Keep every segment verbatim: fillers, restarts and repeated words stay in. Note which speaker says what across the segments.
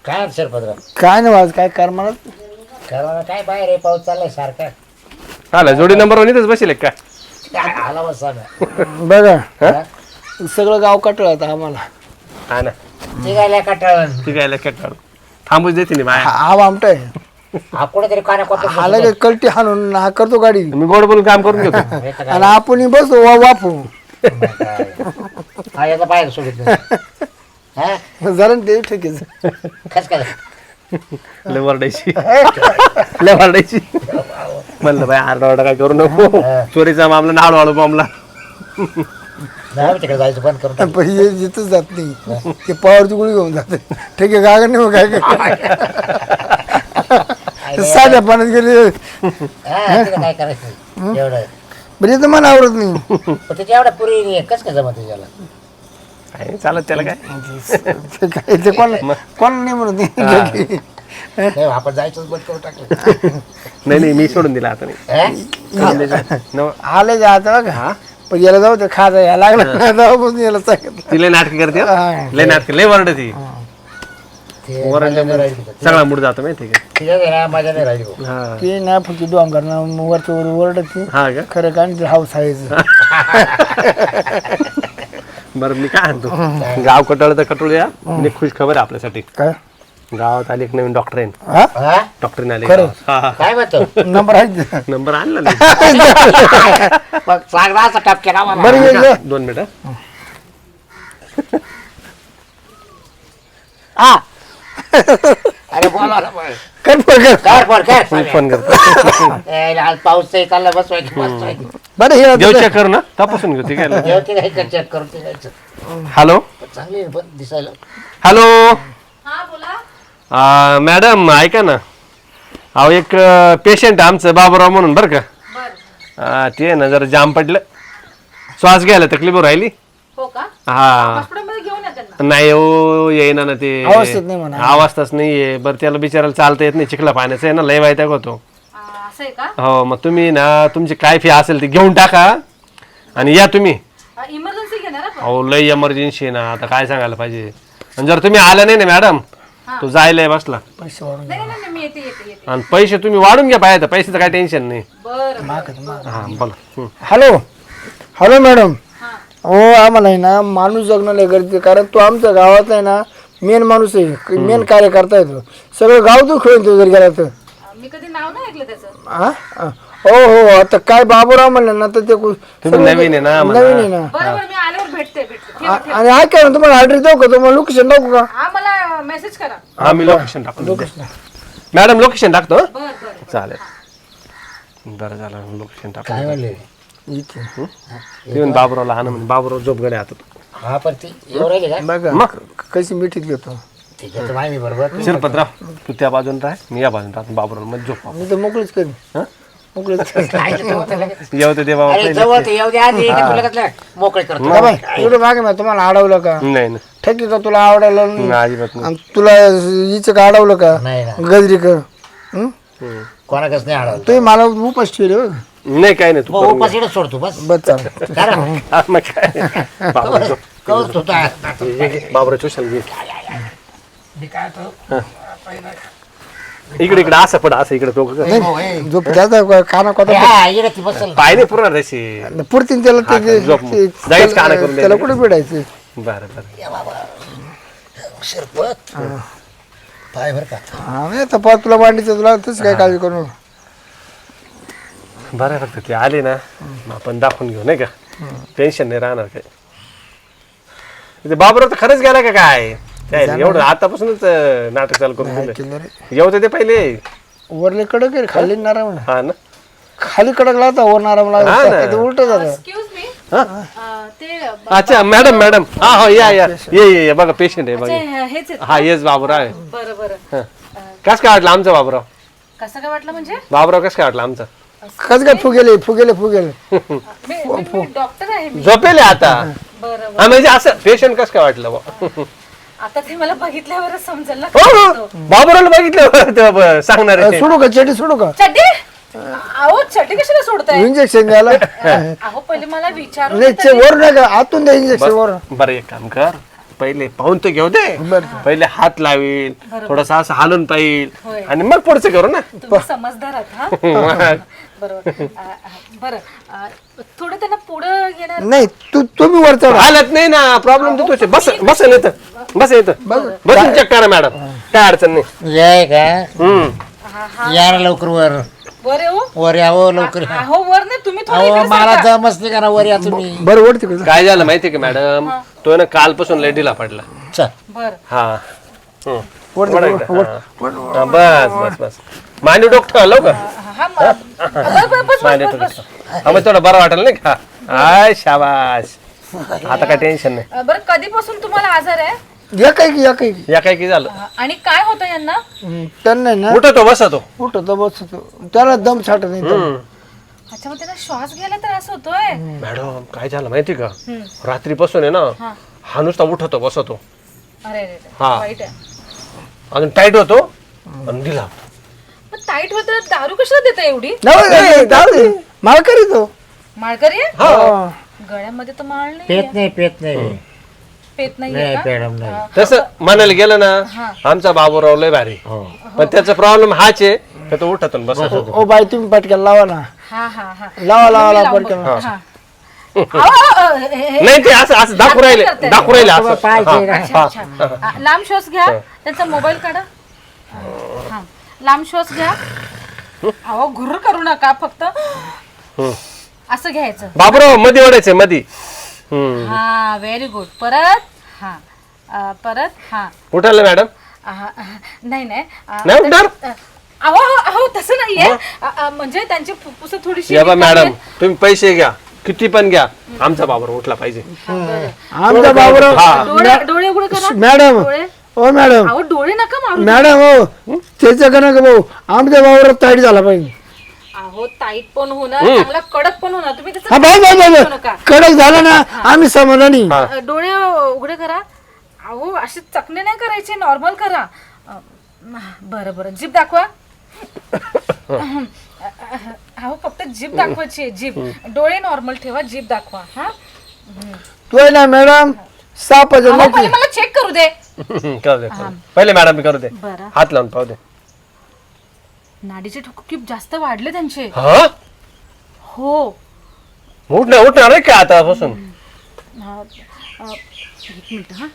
Speaker 1: काय शिरपत्र
Speaker 2: काय नाही वाज काय कर मला
Speaker 1: करणार काय बाहेर आहे पाऊस चाललाय सारखा
Speaker 3: आला जोडी नंबर वन इथंच बसेल का
Speaker 1: काय आला बसा
Speaker 2: बघा
Speaker 1: ना
Speaker 2: सगळं गाव कटळ आता आम्हाला
Speaker 3: हा ना
Speaker 1: निघायला कटाळून
Speaker 3: ठीक आहे काय काढू थांबूच देते नाही बाया
Speaker 2: हा आमटाय
Speaker 1: हा कुठेतरी काना कोणतं
Speaker 2: हा लगे कलटी हाणून हा करतो गाडी
Speaker 3: मी गोड बोलून काम करून घेतो
Speaker 2: आणि आपण बसतो वा वापू
Speaker 1: हा याचा बाहेर सोडित नाही हा
Speaker 2: जरा ते ठेकीच
Speaker 1: खस काय
Speaker 3: लय वरडायची लय वरडायची म्हणलं बाय आरडा वारडा काय करू नको चोरीचा मामला नाळ वाळू मामला
Speaker 1: नाही तिकडे जायचं बंद करून टाक.
Speaker 2: पण हे जिथंच जात नाही ते पावरची गोळी घेऊन जाते ठीक आहे गागर नाही मग काय काय साध्या पाण्यात गेले
Speaker 1: हा, तिला काय करायचं एवढं
Speaker 2: म्हणजे तर मला आवडत नाही
Speaker 1: पण त्याच्या एवढा पुरी कस काय जमत त्याला
Speaker 3: काय चालत त्याला काय
Speaker 2: ते काय ते कोण कोण नाही म्हणत नाही.
Speaker 1: नाही, आपण जायचंच बंद करून टाकलं
Speaker 3: नाही नाही मी सोडून दिला आता नाही
Speaker 1: हा?
Speaker 3: नव-
Speaker 2: आले जा आता बघा
Speaker 3: हा
Speaker 2: पण याला जाऊ ते खाजा यायला लागला जाऊ याला सांगितलं
Speaker 3: ती लय नाटक करते हो.
Speaker 2: हा.
Speaker 3: लय नाटक लय वरड ती
Speaker 1: ते
Speaker 3: वरडल्या
Speaker 1: मजा नाही राहिली तिथं.
Speaker 3: सगळा मूड जातो माहिती का
Speaker 1: तिच्या घरी मजा नाही राहिली भाऊ.
Speaker 3: हा
Speaker 2: ते ना फक्त डोंगर ना वरच्या वर ओरडत
Speaker 3: हा का
Speaker 2: खरं का आणि हाऊस आहे
Speaker 3: बरं मी काय म्हणतो गाव कटाळ तर कटोळ या म्हणजे खुश खबर आहे आपल्यासाठी
Speaker 2: काय
Speaker 3: गावात आली एक नवीन डॉक्टर आहे
Speaker 2: हा
Speaker 1: हा?
Speaker 3: डॉक्टरीन आले
Speaker 2: खरं?
Speaker 3: हा हा
Speaker 1: काय म्हणतो
Speaker 2: नंबर आहे
Speaker 3: नंबर आणला नाही
Speaker 1: मग चांगला असा टपके ना मला.
Speaker 2: बरं ये, ये.
Speaker 3: दोन मिनिटं
Speaker 1: हा अरे बोला ना बोल.
Speaker 2: कर फोन कर
Speaker 1: कर फोन कर
Speaker 3: मी फोन करतो
Speaker 1: ए, आज पाऊस चालला बसवायची बसवायची
Speaker 2: बरं हे
Speaker 3: देव
Speaker 2: आता-
Speaker 3: चेक कर ना तपासून घेऊ ठीक आहे
Speaker 1: जेवते काय कर चेक करून ते जायचं
Speaker 3: हॅलो
Speaker 1: चांगली आहे पण दिसायला
Speaker 3: हॅलो
Speaker 4: हा बोला.
Speaker 3: आ, मॅडम ऐका ना अहो एक पेशंट आमचं बाबूराव म्हणून बरं का
Speaker 4: बर
Speaker 3: आ, ते ना जरा जाम पडलं श्वास घ्यायला तकलीफ राहिली
Speaker 4: हो का
Speaker 3: हा
Speaker 4: हॉस्पिटलमध्ये घेऊन या त्यांना.
Speaker 3: नाही हो येईना ना ते
Speaker 2: अवस्थेत नाही म्हणा.
Speaker 3: अवस्थाच नाहीये बरं त्याला बिचारायला चालता येत नाही चिखला पाण्याचं आहे ना लय वायताक होतो
Speaker 4: आ, असं आहे का
Speaker 3: हो मग तुम्ही ना तुमची काय फी असेल ती घेऊन टाका आणि या तुम्ही
Speaker 4: इमर्जन्सी घेणार आपण.
Speaker 3: अहो लय इमर्जन्सी आहे ना आता काय सांगायला पाहिजे आणि जर तुम्ही आला नाही ना मॅडम तो जायला बसला
Speaker 2: पैसे वाढून
Speaker 4: नाही नाही नाही मी येते येते येते
Speaker 3: आणि पैसे तुम्ही वाढून घ्या पाहिजे पैशाचं काय टेन्शन नाही
Speaker 4: बरं
Speaker 3: हा बोला हं.
Speaker 2: हॅलो हॅलो मॅडम
Speaker 4: हा
Speaker 2: हो आम्हाला आहे ना माणूस जगणं लय गरजेचं कारण तो आमच्या गावात आहे ना मेन माणूस आहे मेन कार्यकर्ता आहे तो सगळं गाव तू खेळून तो जर गेला तर
Speaker 4: आ, मी कधी नाव नाही ऐकलं त्याचं.
Speaker 2: हा हा. हो हो आता काय बाबूराव म्हणलं ना तर ते कु-
Speaker 3: तुम्ही नवीन आहे ना म्हणा.
Speaker 2: नवीन आहे ना
Speaker 4: बरं बरं मी आल्यावर भेटते भेटते ठेवा, ठेवा.
Speaker 2: आणि ऐका ना तुम्हाला ऑर्डर देऊ का तुम्हाला लोकेशन टाकू का
Speaker 4: हा मला मेसेज करा.
Speaker 3: हा मी लोकेशन टाकतो मॅडम लोकेशन टाकतो हं?
Speaker 4: बर बर
Speaker 3: चालेल बरं झालं लोकेशन टाकतो
Speaker 1: काय म्हणले
Speaker 2: इथे
Speaker 3: येऊन बाबूरावला हा ना म्हणजे बाबूराव झोपगडे हातात
Speaker 1: हा पण ती एवढं राहिली का
Speaker 2: बघा
Speaker 3: मग
Speaker 2: कशी मिठीत घेतो
Speaker 1: ठीक आहे माहिती बरोबर
Speaker 3: शिरपतराव तू त्या बाजून राह मी या बाजून राहतो बाबूराव मध्ये झोप
Speaker 2: मी तर मोकळीच करीन
Speaker 3: हं?
Speaker 2: मोकळीच करीन.
Speaker 1: काय ते होतं लगेच.
Speaker 3: येऊ ते देवा
Speaker 1: अरे जवळ ते येऊ दे आधी का तुला कसलं मोकळे करतो
Speaker 2: का बाई एवढं मागे मी तुम्हाला अडवलं का
Speaker 3: नाही नाही
Speaker 2: ठेकी का तुला आवडायला नाही?
Speaker 3: नाही, अजिबात नाही
Speaker 2: आणि तुला हिचं का अडवलं का
Speaker 1: नाही ना
Speaker 2: गजरी कर हं?
Speaker 3: हं.
Speaker 1: कोणाकच नाही आडवलं
Speaker 2: तुम्ही मला उपास ठेवले बघ
Speaker 3: नाही काय नाही तू
Speaker 1: मग
Speaker 3: करून
Speaker 1: उपास इकडे सोडतो बस
Speaker 2: बस चालेल
Speaker 1: कारण
Speaker 3: घे. हा, मग काय बाबूराव झोप.
Speaker 1: कौत होता
Speaker 3: घे, घे. बाबूराव चुशाल घे
Speaker 1: मी काय तो
Speaker 3: इकडे इकडे असं पड असं इकडे तो
Speaker 2: झोप त्याचा काना कोता
Speaker 1: हा इकडे ती बसल
Speaker 3: पाय नाही पुरणार तशी
Speaker 2: पुरतीन त्याला
Speaker 3: हा,
Speaker 2: ते-
Speaker 3: झोप.
Speaker 2: ते-
Speaker 3: जायचं काना करून
Speaker 2: त्याला
Speaker 3: द्यायला.
Speaker 2: कुठे पिडायचं
Speaker 3: बरं बरं
Speaker 1: या बाबा शिरपत पाय बर का
Speaker 2: हा नाही तर पाहत तुला मांडीचं तुला तसं काय काळजी करू नको.
Speaker 3: बरं आहे फक्त ते आले ना मग आपण दाखवून घेऊ नाही का टेन्शन नाही राहणार काय ते बाबूराव तर खरंच गेला का काय काय नाही, एवढं आतापासूनच अं, नाटक चालू करून दिलं
Speaker 2: केलं रे
Speaker 3: येऊ दे ते पहिले
Speaker 2: वरले कडक आहे खाली नाराम आहे.
Speaker 3: हा ना
Speaker 2: खाली कडक लागता वर नाराम
Speaker 3: हा ना.
Speaker 2: लागता उलट झालं
Speaker 4: एक्सक्यूज मी
Speaker 3: हा?
Speaker 4: ते
Speaker 3: अच्छा मॅडम मॅडम हा हो या या ये ये ये बघा पेशंट आहे बघा
Speaker 4: अच्छा, हेच आहेत.
Speaker 3: हा येस बाबूराव आहे
Speaker 4: बरं बरं
Speaker 3: कस काय वाटलं आमचा बाबूराव
Speaker 4: कसं काय वाटलं म्हणजे
Speaker 3: बाबूराव कस काय वाटलं आमचा
Speaker 2: कस काय फुगेले फुगेले फुगेले
Speaker 4: मी मी डॉक्टर आहे मी
Speaker 3: झोपेले आता
Speaker 4: बरं बरं
Speaker 3: हा म्हणजे असं पेशंट कस काय वाटलं बुवा?
Speaker 4: आता ते मला बघितल्यावरच समजेल ना
Speaker 3: हो
Speaker 4: काय
Speaker 3: हो
Speaker 4: होतं.
Speaker 3: बाबूरावला बघितलं ते ब- सांगणार आहे.
Speaker 2: सोडू का चेटी सोडू का
Speaker 4: चड्डी अहो चड्डी कशाला सोडताय
Speaker 2: इंजेक्शन घ्यायला
Speaker 4: अहो पहिले मला विचारू
Speaker 2: नाही
Speaker 4: तर
Speaker 2: चे-
Speaker 4: तरी.
Speaker 2: वर नाही का आतून द्या इंजेक्शन वर
Speaker 3: बरं एक काम कर पहिले पाहून तर घेऊ दे पहिले हात लावेल थोडासा असं हालून पाहिल
Speaker 4: होय.
Speaker 3: आणि मग पुढचं करू ना
Speaker 4: तुम्ही समजदार आहात हा
Speaker 3: मग.
Speaker 4: बरोबर अ, अ, बरं अ, थोडं त्यांना पुढं घेणार
Speaker 2: नाही तू तुम्ही वर चढा
Speaker 3: हालत नाही ना प्रॉब्लेम तर तुझे बस बस येतं बस येतं बसून चेक करा मॅडम काय अडचण नाही
Speaker 1: ये का
Speaker 3: हम्म
Speaker 4: हा हा
Speaker 1: या ना लवकर वर
Speaker 4: वर येऊ
Speaker 1: वर यावं लवकर या.
Speaker 4: अहो वर नाही तुम्ही थोडं
Speaker 1: अहो
Speaker 4: इकडे
Speaker 1: मला
Speaker 4: सरका.
Speaker 1: जमच नाही करा वर या तुम्ही
Speaker 2: बरं वर तिकडे
Speaker 3: काय झालं माहितीये का मॅडम तो ना कालपासून लेडीला पडला
Speaker 1: चल
Speaker 4: बर
Speaker 3: हा हम्म.
Speaker 2: वर
Speaker 3: वडा
Speaker 2: तिकडे,
Speaker 3: इकडं.
Speaker 2: वर-
Speaker 3: हा.
Speaker 2: वर-
Speaker 3: हा, बस बस बस मांडी डोकं लवकर
Speaker 4: हा म- बस बस बस
Speaker 3: मांडी
Speaker 4: बस बस
Speaker 3: डोकं हा, मग थोडं बरं वाटेल नाही का आय शाबाश आता काय टेन्शन नाही
Speaker 4: अ, बरं कधीपासून तुम्हाला आजार आहे
Speaker 2: या काय की या काय की
Speaker 3: या काय की झालं
Speaker 4: अ, आणि काय होतं यांना
Speaker 2: हम्म, त्यांना आहे ना
Speaker 3: उठतो बसतो
Speaker 2: उठतो बसतो त्याला दम साठत नाही
Speaker 3: हम्म.
Speaker 4: अच्छा मग त्यांना श्वास घ्यायला त्रास होतोय
Speaker 3: मॅडम काय झालं माहिती का
Speaker 4: हम्म.
Speaker 3: रात्रीपासून आहे ना
Speaker 4: हा.
Speaker 3: हा नुसता उठतो बसतो
Speaker 4: अरे अरे अरे,
Speaker 3: हा.
Speaker 4: वाईट आहे
Speaker 3: अजून टाईट होतो आणि दिला
Speaker 4: पण टाईट होत दारू कशाला देता एवढी
Speaker 2: नाही, नाही, नाही, जाऊ दे. मला करीतो
Speaker 4: माळकरी आहे
Speaker 2: हा.
Speaker 4: गळ्यामध्ये तर माळ नाही
Speaker 1: पेत नाही पेत नाही
Speaker 4: पेत नाहीये
Speaker 1: नाही
Speaker 4: का
Speaker 1: मॅडम नाही
Speaker 3: तसं म्हणायला गेलं
Speaker 4: हा.
Speaker 3: ना आमचा बाबूराव लय भारी
Speaker 1: हो
Speaker 3: पण त्याचा प्रॉब्लेम हाच आहे का तो उठतो आणि बसतो
Speaker 2: ओ बाई तुम्ही पटक्याला लावा ना
Speaker 4: हा हा हा
Speaker 2: लावा लावा
Speaker 4: मी
Speaker 2: लावा
Speaker 4: लावून
Speaker 2: पटक्याला
Speaker 4: बघते. हा. अहो, अहो, अहो, हे- हे-
Speaker 3: नाही ते असं असं दाखवू राहिले
Speaker 4: करते.
Speaker 3: दाखवू राहिले असं
Speaker 1: पाहिजे ना.
Speaker 4: अच्छा, अच्छा. आ, लांब श्वास घ्या त्यांचा मोबाईल काढा हा लांब श्वास घ्या अहो घुर करू नका फक्त असं घ्यायचं
Speaker 3: बाबूराव मध्ये ओढायचंय मध्ये हम्म
Speaker 4: हा व्हेरी गुड परत हा अ, परत हा
Speaker 3: उठायला मॅडम
Speaker 4: अ, अ, नाही नाही अ,
Speaker 3: नाही उठणार?
Speaker 4: अ, अहो अहो, अहो तसं नाहीये अ, अ, म्हणजे त्यांची फुफ्फुस थोडीशी
Speaker 3: या बा
Speaker 4: रिकामी
Speaker 3: मॅडम
Speaker 4: आहेत.
Speaker 3: तुम्ही पैसे घ्या किती पण घ्या आमचा बाबूराव उठला पाहिजे
Speaker 2: आमचा बाबूराव
Speaker 3: हा.
Speaker 4: डोळे डोळे उघडे करा
Speaker 2: मॅडम
Speaker 4: डोळे
Speaker 2: ओ मॅडम
Speaker 4: अहो डोळे नका मारू
Speaker 2: मॅडम हो त्याचं का नका भाऊ आमच्या बाबूराव ताईट झाला पाहिजे
Speaker 4: अहो टाईट पण होणार चांगला कडक पण होणार तुम्ही त्याचं
Speaker 2: हा भाऊ भाऊ
Speaker 4: काळजी
Speaker 2: भाऊ
Speaker 4: करू नका
Speaker 2: कडक झाला ना आम्ही समाधानी
Speaker 3: हा.
Speaker 4: अ, डोळे उघडे करा अहो असे चकणे नाही करायचे नॉर्मल करा अ, बरं बरं जीभ दाखवा अहो फक्त जीभ दाखवायची आहे जीभ डोळे नॉर्मल ठेवा जीभ दाखवा हा
Speaker 2: तू आहे ना मॅडम सापाचं
Speaker 4: अहो,
Speaker 2: नक्की
Speaker 4: पहिले मला चेक करू दे
Speaker 3: करू दे करू दे. पहिले मॅडम करू दे
Speaker 4: बरं
Speaker 3: हात लावून पाहू दे
Speaker 4: नाडीचे ठोके खूप जास्त वाढले त्यांचे
Speaker 3: हा
Speaker 4: हो
Speaker 3: उठणार उठणार नाही का आता बसून
Speaker 4: अ, अ, एक मिनिट हा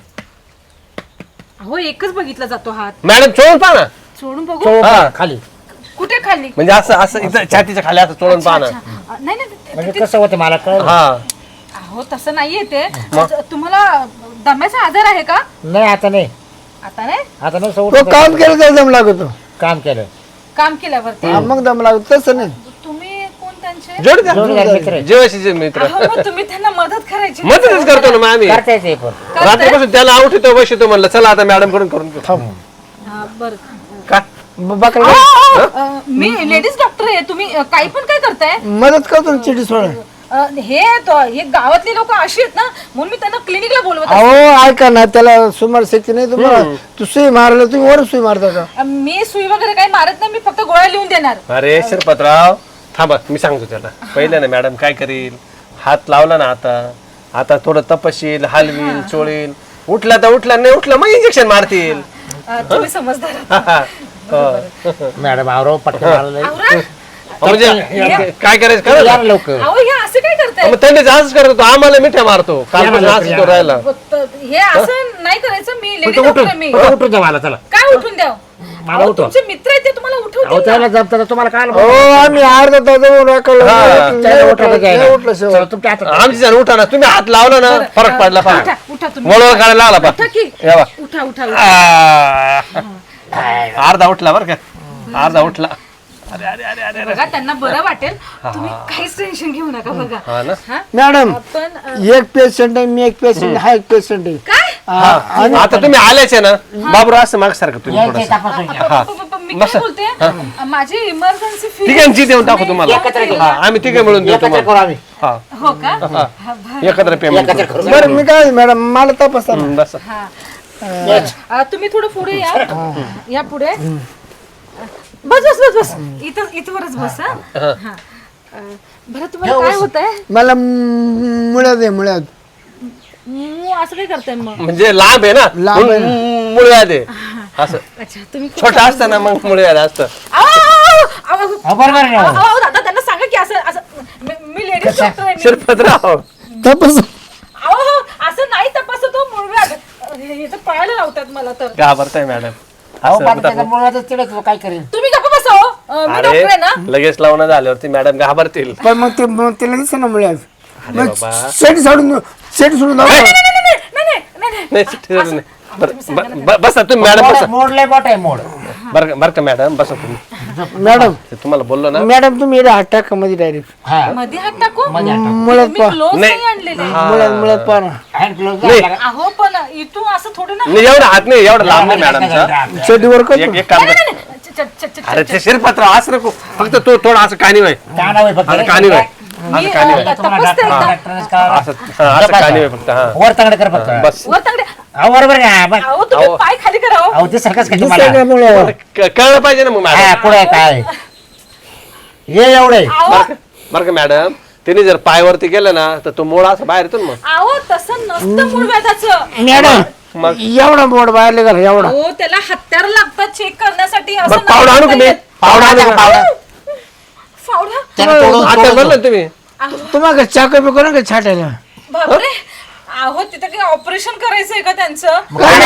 Speaker 4: अहो एकच बघितला जातो हात
Speaker 3: मॅडम चोळून पहा ना
Speaker 4: सोडून बघू
Speaker 3: हा
Speaker 1: खाली
Speaker 4: कुठे खाली
Speaker 3: म्हणजे असं असं इथं छातीच्या खाली असं चोळून पहा ना
Speaker 4: अच्छा. अ, नाही नाही ते-
Speaker 1: म्हणजे कसं होतं मला कळ
Speaker 3: हा
Speaker 4: अहो तसं नाहीये ते तुम्हाला दम्याचा आजार आहे का
Speaker 1: नाही आता नाही
Speaker 4: आता नाही
Speaker 1: आता नाही
Speaker 2: तो
Speaker 1: सवड
Speaker 2: काम केलं तर दम लागतो
Speaker 1: काम केलं
Speaker 4: काम केल्यावरती
Speaker 2: हा, मग दम लागतो तसं नाही
Speaker 4: तुम्ही कोण त्यांचे
Speaker 3: जोड द्या
Speaker 1: जोडीदार मित्र आहे.
Speaker 3: जेवायचे मित्र
Speaker 4: अहो मग तुम्ही त्यांना मदत करायची
Speaker 3: मदतच करतो ना मग आम्ही
Speaker 1: करता येते पण
Speaker 4: करताय?
Speaker 3: रात्रीपासून त्याला आवडतो बसतो म्हणलं चला आता मॅडम कडून करून घेऊ.
Speaker 4: हा, बरं
Speaker 3: का
Speaker 2: बकरा
Speaker 4: अहो, अहो, अ, मी लेडीज डॉक्टर आहे तुम्ही अ, काही पण काय करताय
Speaker 2: मदत करतो ना चिठी सोडा
Speaker 4: अ, हे तो- हे गावातली लोक अशी आहेत ना म्हणून मी त्यांना क्लिनिकला बोलवत असते.
Speaker 2: अहो ऐका ना त्याला सुमार शक्ती नाही तुम्हाला तू सुई मारला तुम्ही वर सुई मारता का
Speaker 4: अ, मी सुई वगैरे काही मारत नाही मी फक्त गोळ्या लिहून देणार
Speaker 3: अरे शिरपतराव थांबा मी सांगतो त्याला पहिले ना मॅडम काय करील हात लावला ना आता आता थोडं तपशील हलवील चोळील उठला तर उठला नाही उठला मग इंजेक्शन मारतील
Speaker 4: अ, तुम्ही समजदार
Speaker 3: हो.
Speaker 1: मॅडम आवरो पटकन मारलं
Speaker 4: आवरा
Speaker 3: म्हणजे काय करायचं करा
Speaker 1: या
Speaker 3: ना.
Speaker 1: ना लवकर
Speaker 4: अहो हे असं काय करताय
Speaker 3: मग थंडी असंच करतो आम्हाला मिठ्या मारतो कालपासून असंच तो राहिला
Speaker 4: फक्त हे असं नाही करायचं मी लेडीज डॉक्टर आहे मी
Speaker 1: उठून उठून जा मला चला
Speaker 4: काय उठून द्याव
Speaker 1: मला
Speaker 4: अहो,
Speaker 1: उठवा.
Speaker 4: तुमचे मित्र आहेत ते तुम्हाला
Speaker 1: अहो
Speaker 4: उठवतील ना.
Speaker 1: त्याला जमतं तुम्हाला काय
Speaker 2: हो आम्ही अर्धा तास जाऊन राखलं.
Speaker 1: त्याला
Speaker 2: नाही
Speaker 1: उठवलं
Speaker 2: उठलं,
Speaker 1: घ्यायला.
Speaker 2: नाही उठलं शेवट.
Speaker 1: चला, तुमच्या हातात
Speaker 3: आमची जण उठा ना तुम्ही हात लावला ना फरक पडला पहा
Speaker 4: उठा उठा तुम्ही
Speaker 3: वळवळ करायला लागला पहा
Speaker 4: उठा की
Speaker 3: या बा.
Speaker 4: उठा उठा उठा.
Speaker 3: आ. अर्धा उठला बरं का अर्धा उठला अरे अरे अरे अरे
Speaker 4: बघा त्यांना बरं वाटेल तुम्ही काहीच टेन्शन घेऊ नका बघा
Speaker 3: हा ना
Speaker 4: हा
Speaker 2: मॅडम
Speaker 4: पण अ,
Speaker 2: एक पेशंट आहे मी एक पेशंट हा एक पेशंट आहे
Speaker 4: काय
Speaker 2: हा, आणि
Speaker 3: आता तुम्ही आल्याच आहे ना बाबूराव असं माग सारखं तुम्ही
Speaker 1: यायचं
Speaker 3: थोडस
Speaker 1: तपासून घ्या.
Speaker 3: हा.
Speaker 4: प- प- प- मी काय बोलते माझी इमर्जन्सी फी
Speaker 3: तिघांची देऊन टाकू तुम्हाला
Speaker 1: एकत्र घेऊ.
Speaker 3: हा, आम्ही तिघे मिळून देऊ
Speaker 1: एकत्र करू
Speaker 3: तुम्हाला
Speaker 1: आम्ही
Speaker 3: हा
Speaker 4: हो का हा, बरं.
Speaker 3: एकत्र पेमेंट
Speaker 1: एकत्र करू
Speaker 2: बरं मी काय मॅडम मला तपासा ना.
Speaker 3: बस
Speaker 4: हा अ, तुम्ही थोडं पुढे या या पुढे बस बस बस बस इथं इथवरच बस हा हा अ, बरं तुम्हाला काय होत आहे
Speaker 2: मला मुळ्यात आहे मुळ्यात
Speaker 4: मू असं काय करताय मग?
Speaker 3: म्हणजे लांब आहे ना
Speaker 2: लांब आहे
Speaker 3: म्हणून मुळव्याध आहे असं.
Speaker 4: अच्छा तुम्ही
Speaker 3: छोटा असतं ना मग मुळव्याध असतं.
Speaker 4: आव, आव, आव, आव,
Speaker 1: हो, बरोबर आहे
Speaker 4: आव,
Speaker 1: ना.
Speaker 4: आव, दादा त्यांना सांगा की असं असं मी- मी लेडीज डॉक्टर आहे मी.
Speaker 3: शिरपतराव
Speaker 2: तपस
Speaker 4: अहो हो, असं नाही तपासत हो मुळव्याध. हे तर पळायला लावतात मला तर.
Speaker 3: घाबरताय मॅडम.
Speaker 1: अहो पण त्याचा मुळातच तिडच काय करेल.
Speaker 4: तुम्ही गप्प बसा हो. अं, मी
Speaker 3: अरे
Speaker 4: डॉक्टर आहे ना.
Speaker 3: लगेच लावणं झाल्यावरती मॅडम घाबरतील.
Speaker 2: पण मग ते मग तिला दिसे ना मुळे
Speaker 3: अरे बाबा
Speaker 2: सेट सोडून सेट सोडून जाऊ.
Speaker 4: नाही नाही नाही नाही नाही नाही नाही
Speaker 3: नाही ठीक आहे, नाही. बरं, ब- ब- बसा तुम्ही मॅडम बसा.
Speaker 1: मोड लय मोठा आहे मोड.
Speaker 3: बरं का- बरं का मॅडम बसा तुम्ही.
Speaker 2: मॅडम
Speaker 3: ते तुम्हाला बोललो ना
Speaker 2: मॅडम तुम्ही इकडे हात टाका मध्ये डायरेक्ट
Speaker 1: हा
Speaker 4: मध्ये हात टाकू
Speaker 2: मुळात
Speaker 4: मी
Speaker 2: पा
Speaker 4: ग्लोव्ह
Speaker 3: नाही.
Speaker 4: नाही आणलेले.
Speaker 2: मुळात मुळात पा ना
Speaker 1: हँड ग्लोव्ह
Speaker 3: नाही.
Speaker 4: अहो पण इथून असं थोडं ना.
Speaker 3: नाही एवढा हात नाही एवढा लांब नाही मॅडमचा.
Speaker 2: शेडीवर
Speaker 3: एक
Speaker 2: करतो
Speaker 3: एक काम
Speaker 4: नाही,
Speaker 3: कर.
Speaker 4: नाही, नाही. च- च- च- च-
Speaker 3: अरे ते शिरपतराव असं नको फक्त तू थोडं असं कानी वय
Speaker 1: काना होय फक्त
Speaker 3: असं कानी वय
Speaker 4: मी
Speaker 3: असं कानी वय
Speaker 4: अं, तपासते एकदा.
Speaker 3: असं हा, असं कानी वय फक्त हा
Speaker 1: वर तंगड कर फक्त.
Speaker 3: बस
Speaker 4: वर तांगडे.
Speaker 1: अहो बरोबर आहे ना. बस.
Speaker 4: अहो तुम्ही
Speaker 3: अहो.
Speaker 4: पाय खाली करा हो.
Speaker 1: अहो ते सारखंच का तुम्हाला.
Speaker 2: दुसऱ्या मुळे
Speaker 3: क- कळलं पाहिजे ना मग
Speaker 1: हा
Speaker 3: मॅडम.
Speaker 1: पुढे काय हे एवढे
Speaker 4: अहो
Speaker 3: बरं का- बरं का मॅडम त्यांनी जर पायवरती गेलं ना तर तो मोळा असं बाहेर येतो ना मग.
Speaker 4: अहो तसं नसतं मुळव्याधाचं.
Speaker 2: मॅडम
Speaker 3: मग
Speaker 2: एवढा बोर्ड बाहेरले घर एवढा
Speaker 4: अहो त्याला हत्यार लागतात चेक करण्यासाठी. असं
Speaker 3: मग पावडा आणू का मी
Speaker 4: नाही
Speaker 3: पावडा आणू का?
Speaker 1: पावडा
Speaker 4: फावडा.
Speaker 1: त्याला तोडून
Speaker 3: आता
Speaker 1: तोडून-
Speaker 3: म्हणलं ना तुम्ही
Speaker 2: तुम्हाला चाकू बिकू ना का छाटायला
Speaker 4: बापरे. अहो तिथं काही ऑपरेशन करायचंय का त्यांचं?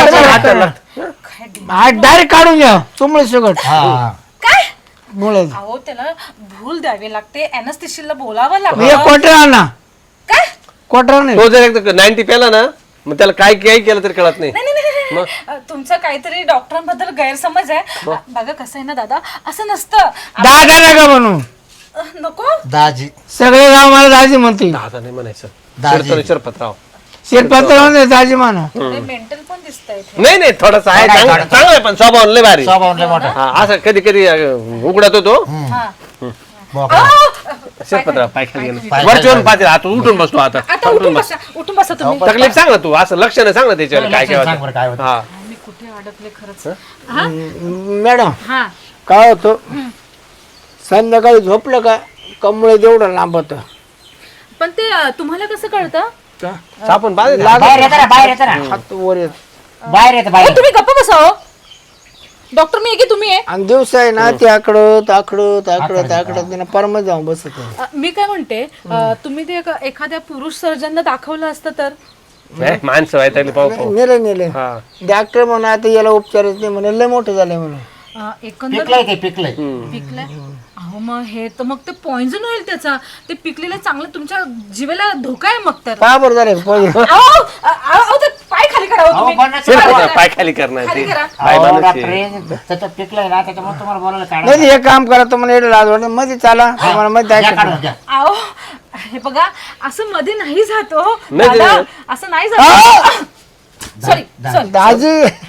Speaker 2: हा डायरेक्ट काढून घ्या तुमळे सगळं
Speaker 1: हा
Speaker 4: काय?
Speaker 2: मुळे
Speaker 4: अहो त्याला भूल द्यावी लागते. अॅनेस्थेशियाला बोलावं
Speaker 2: एक
Speaker 4: लागतं.
Speaker 2: क्वार्टर आणा
Speaker 4: काय?
Speaker 2: क्वार्टर नाही
Speaker 3: तो जर एकदा नाईन्टी पेला ना मग त्याला काय काही केलं तरी कळत नाही.
Speaker 4: नाही नाही, नाही नाही. अ, तुमचा काहीतरी डॉक्टरांबद्दल गैरसमज आहे. अ, बघा कसं आहे ना दादा असं नसतं.
Speaker 2: दादा नका म्हणू
Speaker 4: अ, नको.
Speaker 1: दाजी
Speaker 2: सगळे गाव मला दाजी म्हणते
Speaker 3: दादा नाही म्हणायचं
Speaker 1: दाजी.
Speaker 3: शिरपतराव शिरपतराव
Speaker 2: शेतपत्र म्हणते दाजी म्हणा
Speaker 4: मेंटल पण दिसतंय इथे.
Speaker 3: नाही नाही थोडासा आहे
Speaker 1: थोडा आहे,
Speaker 3: चांगलं
Speaker 1: थोडा.
Speaker 3: चांगलं आहे पण स्वभाव लय भारी.
Speaker 1: स्वभाव लय मोठा.
Speaker 3: हा असं कधी कधी अं, उघडत होतो
Speaker 4: हा.
Speaker 1: बोकडा.
Speaker 4: अहो,
Speaker 3: शिरपतराव पाय खाली गेलं
Speaker 1: पाय
Speaker 3: वरची
Speaker 1: खाली
Speaker 3: वरून पाहते आता उठून बसतो आता
Speaker 4: आता उठून बसा उठून बसा तुम्ही.
Speaker 3: तकलीफ सांग ना तू असं लक्ष नाही सांग ना त्याच्यावर काय काय
Speaker 1: सांग बरं काय
Speaker 3: होतं.
Speaker 1: होतं.
Speaker 3: हा
Speaker 4: मी कुठे अडकले खरंच. हा
Speaker 2: मॅडम
Speaker 4: हा
Speaker 2: काय होतं संध्याकाळी झोपलं का कमळे तेवढं लांब होतं
Speaker 4: पण ते अ, तुम्हाला कसं कळतं?
Speaker 3: सापून बांधले
Speaker 1: बाहेर येतं ना बाहेर येतं ना
Speaker 2: हात वर येत
Speaker 1: बाहेर येतं
Speaker 4: अहो,
Speaker 1: बाहेर.
Speaker 4: तुम्ही गप्प बसा हो. डॉक्टर मी आहे की तुम्ही आहे?
Speaker 2: आणि दिवस आहे ना ते आकडं ताकडं ताकडं ताकडं त्यांना परमत जाऊन बसत
Speaker 4: अ, मी काय म्हणते अ, तुम्ही ते एका- एखाद्या पुरुष सर्जनला दाखवलं असतं तर.
Speaker 3: नाही, माणसं व्हायला पाहू पाहू
Speaker 2: नेले नेले
Speaker 3: हा
Speaker 2: डॉक्टर म्हणून आता याला उपचारच नाही म्हणे लय मोठं झालंय म्हणून
Speaker 4: अ, एकंदर
Speaker 1: पिकलंय ते पिकलंय.
Speaker 4: पिकलंय. अहो मग हे तर मग ते पॉइझन होईल त्याचा. ते पिकलेलं चांगलं तुमच्या जीवेला धोका आहे मग तर.
Speaker 2: का बरं झालंय पहिले
Speaker 4: अहो, अ, अ, अहो, ते पाय खाली करा हो
Speaker 1: अहो,
Speaker 4: तुम्ही.
Speaker 1: पण नाही,
Speaker 4: खाली
Speaker 3: शिरपतराव
Speaker 4: करा.
Speaker 3: पाय खाली करणार
Speaker 4: खाली
Speaker 3: ते
Speaker 4: करा.
Speaker 3: बाय
Speaker 1: अहो,
Speaker 3: माणूस
Speaker 1: डॉक्टर
Speaker 3: आहे.
Speaker 1: हे त्याचं पिकलंय ना त्याच्यामुळे तुम्हाला बोलायला काढा.
Speaker 2: नाही हे काम करा तुम्हाला एवढं लाज वाटत मध्ये चाला तुम्हाला मध्ये
Speaker 1: घ्या काढून
Speaker 2: दाखवतो.
Speaker 1: घ्या.
Speaker 4: अहो हे बघा असं मध्ये नाही जात हो
Speaker 3: नाही,
Speaker 4: दादा,
Speaker 3: नाही.
Speaker 4: असं नाही जात. सॉरी सॉरी
Speaker 2: दाजी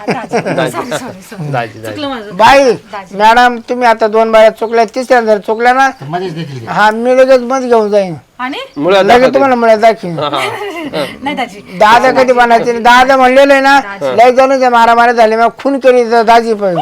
Speaker 3: दाजी दाजी
Speaker 4: चुकलं माझं.
Speaker 2: बाई मॅडम तुम्ही आता दोन बाया चुकल्या तिसऱ्या जर चुकल्या ना
Speaker 1: मध्येच देतील ते.
Speaker 2: हा मी लगेच मध्ये घेऊन जाईन
Speaker 4: आणि
Speaker 3: मुळात
Speaker 2: लगेच
Speaker 3: दाखवते.
Speaker 2: तुम्हाला मला दाखवीन
Speaker 4: नाही दाजी
Speaker 2: दादा कधी बनायचे नाही. दादा म्हणलेलं आहे ना लय जाऊन ते मारामारी झाले मग खून केली तर दाजी पण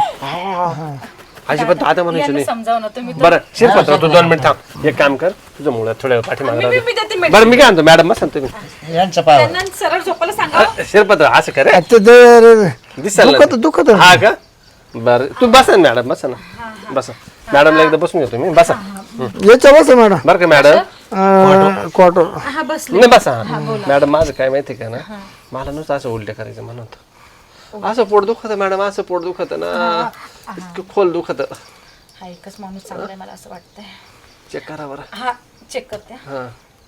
Speaker 3: अजिबात दादा म्हणायचं
Speaker 4: यांना
Speaker 3: नाही.
Speaker 4: समजाव ना तुम्ही तर.
Speaker 3: बरं शिरपतराव तू दोन मिनिट थांब एक काम कर तुझं मुळात थोड्या वेळ पाठीमागे
Speaker 4: मी-
Speaker 3: राहू
Speaker 4: मी-
Speaker 3: दे.
Speaker 4: मी देते medicine.
Speaker 3: बरं मी काय म्हणतो मॅडम बसा ना तुम्ही
Speaker 1: यांचं पाव
Speaker 4: त्यांना सरळ झोपायला सांगा हो.
Speaker 3: शिरपतराव असं करे
Speaker 2: ते दर-
Speaker 3: दिसायला
Speaker 2: दुखत
Speaker 3: नाही.
Speaker 2: दुखत
Speaker 3: हा का बरं तू बसा ना मॅडम बसा ना बसा मॅडमला एकदा बसून घेतो मी बसा
Speaker 2: याच्या बस मॅडम
Speaker 3: बरं का मॅडम
Speaker 2: क्वार्टर
Speaker 4: हा बसले
Speaker 3: नाही बसा मॅडम माझं काय माहिती का ना मला नुसतं असं उलटे करायचं म्हणत असं पोट दुखत मॅडम असं पोट दुखत ना इतकं खोल दुखत
Speaker 4: हा एकच माणूस चांगला आहे मला असं वाटतंय.
Speaker 3: चेक करा बरं
Speaker 4: हा चेक करते.
Speaker 3: हा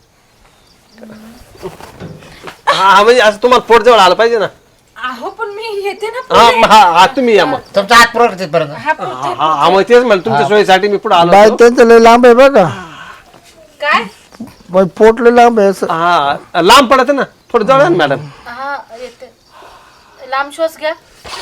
Speaker 3: हा म्हणजे असं तुम्हाला पोट जवळ आलं पाहिजे ना
Speaker 4: अहो पण मी येते ना
Speaker 3: हा
Speaker 4: पुढे.
Speaker 3: म- हा हा, तुम्ही या मग
Speaker 1: तुमचा हात पुरवत तिथपर्यंत.
Speaker 4: हा पुढे.
Speaker 3: हा हा, मग तेच म्हणलं तुमच्या सोयीसाठी मी पुढे आलो
Speaker 2: बाय
Speaker 3: होतो.
Speaker 2: त्यांचं लय लांब आहे बघा
Speaker 4: काय
Speaker 2: बाई पोट लय लांब आहे असं
Speaker 3: हा लांब पडत ना थोडं जवळ आहे ना मॅडम
Speaker 4: हा येते. लांब श्वास घ्या.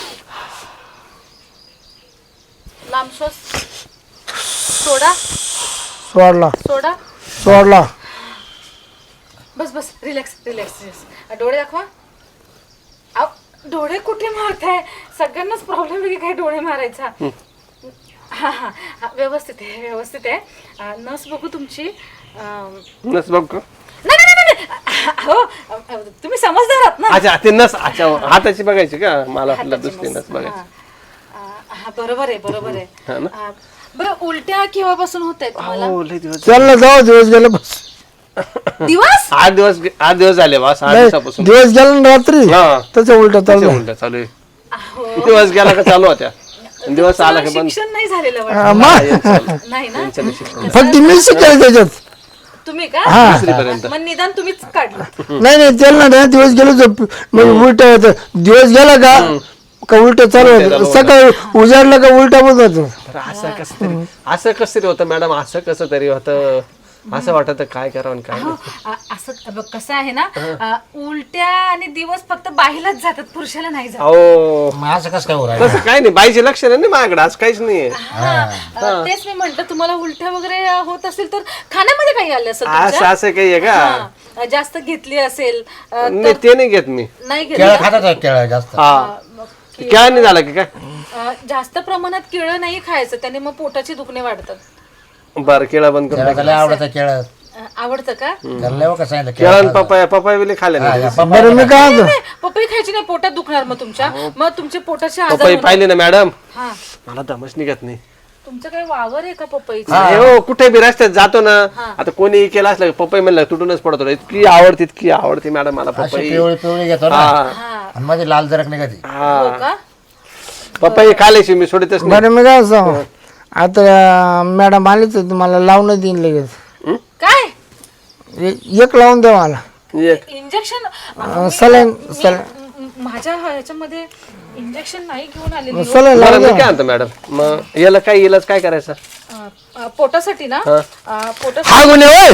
Speaker 4: लांब श्वास सोडा
Speaker 2: सोडला
Speaker 4: सोडा.
Speaker 2: सोडला
Speaker 4: बस बस रिलॅक्स रिलॅक्स रिलॅक्स. डोळे दाखवा. अहो, डोळे कुठे मारताय? सगळ्यांनाच प्रॉब्लेम आहे की काय डोळे मारायचा. हा हा हा, व्यवस्थित आहे व्यवस्थित आहे. अं, नस बघू तुमची. अं,
Speaker 3: नस बघ का?
Speaker 4: नाही नाही नाही, नाही अहो अ, अ, तुम्ही समजदार आहात ना.
Speaker 3: अच्छा ते नस अच्छा हाताची बघायची का मला वाटलं दुसरी नस बघायची.
Speaker 4: हा. अ, हा बरोबर आहे बरोबर आहे.
Speaker 3: हा ना?
Speaker 4: अ, बरं उलट्या केव्हापासून होत आहेत तुम्हाला?
Speaker 3: हो लय दिवस
Speaker 2: चल ना जाऊ दिवस गेला बस
Speaker 4: दिवस
Speaker 3: आठ दिवस आठ दिवस झाले बस आठ
Speaker 2: नाही,
Speaker 3: दिवसापासून
Speaker 2: दिवस गेला ना रात्री
Speaker 3: हा.
Speaker 2: त्याच्या उलट
Speaker 3: त्याच्या
Speaker 2: चालू
Speaker 3: उलट्या चालू आहे.
Speaker 4: अहो,
Speaker 3: दिवस गेला का चालू होत्या दिवस आला का बंद.
Speaker 4: शिक्षण नाही झालेलं वाटतं.
Speaker 2: हा, मग
Speaker 4: नाही ना
Speaker 2: फक्त मी शिकायला त्याच्यात
Speaker 4: तुम्ही का
Speaker 3: दुसरीपर्यंत
Speaker 4: मग निदान तुम्हीच काढलं.
Speaker 2: नाही नाही त्याला ना दिवस गेलो झोप मग उलट होत दिवस गेला का का उलट चालू होत सकाळी उजाडलं का उलटा बंद होतो.
Speaker 3: असं कसं तरी असं कसं तरी होतं मॅडम असं कसं तरी होतं असं वाटत काय करावं आणि काय
Speaker 4: अहो,
Speaker 3: नाही.
Speaker 4: अ, असं बघ, कसं आहे ना अ, उलट्या आणि दिवस फक्त बाईलाच जातात पुरुषाला नाही जात.
Speaker 3: अहो
Speaker 1: मग असं कसं काय होणार
Speaker 3: तसं काय नाही बाईचे लक्ष नाही माझ्याकडे असं काहीच नाहीये.
Speaker 4: हा, अ, तेच मी म्हंटल तुम्हाला उलट्या वगैरे अ, होत असेल तर खाण्यामध्ये काही आलं असेल
Speaker 3: असं
Speaker 4: तुमच्या?
Speaker 3: असं काही आहे का
Speaker 4: हा, जास्त घेतली असेल अ,
Speaker 3: नाही ते नाही घेत मी
Speaker 4: नाही
Speaker 1: केळं
Speaker 4: घेतली
Speaker 1: खातात आहे, केळं जास्त
Speaker 3: हा
Speaker 4: मग कि-
Speaker 3: काय नाही झालं की काय
Speaker 4: अ, जास्त प्रमाणात केळं नाही खायचं त्याने मग पोटाचे दुखणे वाढतात.
Speaker 3: बरं केळा बंद करून
Speaker 1: केळं त्याला आवडतं केळं
Speaker 4: अ, आवडतं का?
Speaker 1: त्याला लय कसं सांगितलं
Speaker 3: केळा आणि
Speaker 1: केळं
Speaker 3: पपाया पपाया बिले खाल्ले
Speaker 1: हा,
Speaker 3: नाही
Speaker 1: या पप्पा-
Speaker 2: बरं मी काय म्हणतो
Speaker 4: नाही, पपई खायची नाही पोटात दुखणार मग तुमच्या मग तुमचे पोटाचे आजार
Speaker 3: पपई
Speaker 4: होणार.
Speaker 3: पाहिली ना मॅडम
Speaker 4: हा
Speaker 3: मला दमच निघत नाही.
Speaker 4: तुमचं काही वावर आहे का पपईचं?
Speaker 3: नाही हो कुठे बी रस्त्यात जातो ना आता कोणी केला असलं की पपई म्हणलं तुटूनच पडतो इतकी आवडते इतकी आवडते मॅडम मला
Speaker 1: अशी
Speaker 3: पपई
Speaker 1: पिवळी पिवळी घेतो ना
Speaker 3: हा
Speaker 4: हा
Speaker 1: आणि मध्ये लाल जरक निघते
Speaker 4: हो
Speaker 3: हा
Speaker 4: का?
Speaker 3: पपई खाल्याशी मी सोडतच नाही.
Speaker 2: बरं मी काय सांगू आता मॅडम आलीच तुम्हाला लावून देईन लगेच
Speaker 4: काय
Speaker 2: ए- एक लावून द्या मला
Speaker 3: एक
Speaker 4: इंजेक्शन
Speaker 2: सलाईन सलाईन
Speaker 4: माझ्या ह्याच्यामध्ये इंजेक्शन नाही घेऊन आलेली हो.
Speaker 2: सलाईन
Speaker 3: बरं
Speaker 2: लावून
Speaker 3: मी
Speaker 2: द्या
Speaker 3: काय म्हणतो मॅडम मग याला काय इलाज काय करायचं
Speaker 4: अ, अ, पोटासाठी ना
Speaker 3: हा.
Speaker 4: अ, पोटा
Speaker 2: हा गुन्हे होय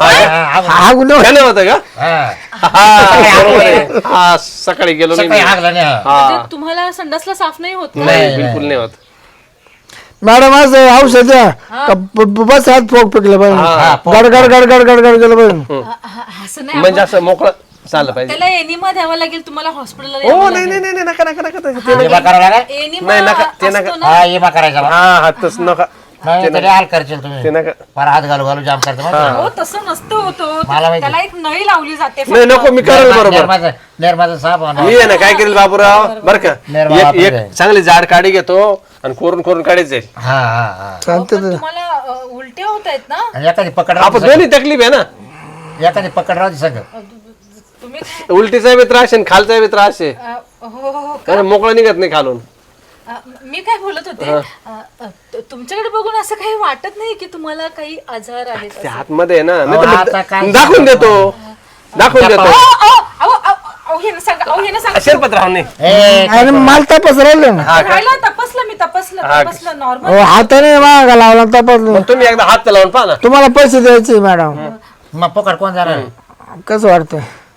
Speaker 2: हा गुन्हे होय.
Speaker 3: त्याने होतं का
Speaker 1: हा
Speaker 3: हा बरोबर आहे. हा सकाळी गेलो नाही
Speaker 1: सकाळी
Speaker 3: मी.
Speaker 1: हागला नाही हा.
Speaker 3: हा
Speaker 4: म्हणजे तुम्हाला संडासला साफ नाही होत का?
Speaker 3: नाही बिलकुल नाही होत.
Speaker 2: मॅडम असं औषध द्या का ब- ब- बस हात फोक पिकले
Speaker 3: हा,
Speaker 2: पाहिजे गड गड गड गड गड गड गेलं पाहिजे
Speaker 4: अ, अ, असं नाही
Speaker 3: म्हणजे असं मोकळं चाललं पाहिजे.
Speaker 4: त्याला एनिमा द्यावा लागेल तुम्हाला हॉस्पिटलला
Speaker 3: हो नाही नाही नाही नाही, नका नका नका ते- ते
Speaker 1: इमा करावं लागेल
Speaker 4: एनिमा
Speaker 3: नाही, नका, ते
Speaker 4: असतो
Speaker 3: नका.
Speaker 4: ना.
Speaker 1: हा इमा करायचा बा.
Speaker 3: हा हातच नका
Speaker 1: नाही तरी हाल करशील
Speaker 3: ते
Speaker 1: तुम्ही
Speaker 3: नका
Speaker 1: फार हात घालू घालू जाम करतो माहिती आहे?
Speaker 4: हो तसं नसतं होतं
Speaker 1: मला माहिती.
Speaker 4: त्याला एक नळी लावली जाते
Speaker 3: नाही नको मी करेल बरोबर
Speaker 1: निर्माचं निर्माचं साप आणा.
Speaker 3: मी आहे ना काय करेल बाबूराव बर का
Speaker 1: निर्मा
Speaker 3: एक
Speaker 1: वापरते.
Speaker 3: एक चांगली जाड काडी घेतो आणि कोरून कोरून काढीच जाईल.
Speaker 1: हा हा हा
Speaker 2: सांगते
Speaker 4: पण तुम्हाला अ, उलट्या होत आहेत ना
Speaker 1: आणि एखादी पकड
Speaker 3: आपण
Speaker 1: राहते
Speaker 3: दोन्ही तकलीफ आहे ना
Speaker 1: सगळं. एखादी पकड राहते सगळं
Speaker 4: अ, तुम्ही काय-
Speaker 3: उलटीचा बी त्रास आहे आणि खालचा बी त्रास आहे
Speaker 4: अ, हो हो
Speaker 3: कारण मोकळा निघत नाही खालून.
Speaker 4: अ, मी काय बोलत होते अ, अ, तु- तुमच्याकडे बघून असं काही वाटत नाही की तुम्हाला काही आजार आहेत
Speaker 3: ते
Speaker 4: असं?
Speaker 3: आतमध्ये आहे ना नाही
Speaker 1: अहो,
Speaker 3: तर
Speaker 1: आता
Speaker 3: मग
Speaker 1: काय
Speaker 3: दाखवून देतो दाखवून देतो
Speaker 4: अहो, अहो, अहो, अहो, अहो, हे ना सांगा अहो, हे ना सांगा
Speaker 3: शिरपतराव नाही
Speaker 1: ए
Speaker 2: आणि मला तपास राहिलं ना
Speaker 4: राहिलं तपासलं मी तपासलं तपासलं नॉर्मल
Speaker 2: हो, हाताने मागा लावला तपास
Speaker 3: मग तुम्ही एकदा हात लावून पहा ना.
Speaker 2: तुम्हाला पैसे द्यायचे मॅडम
Speaker 1: मग पकड कोण जाणार
Speaker 2: कसं वाटतं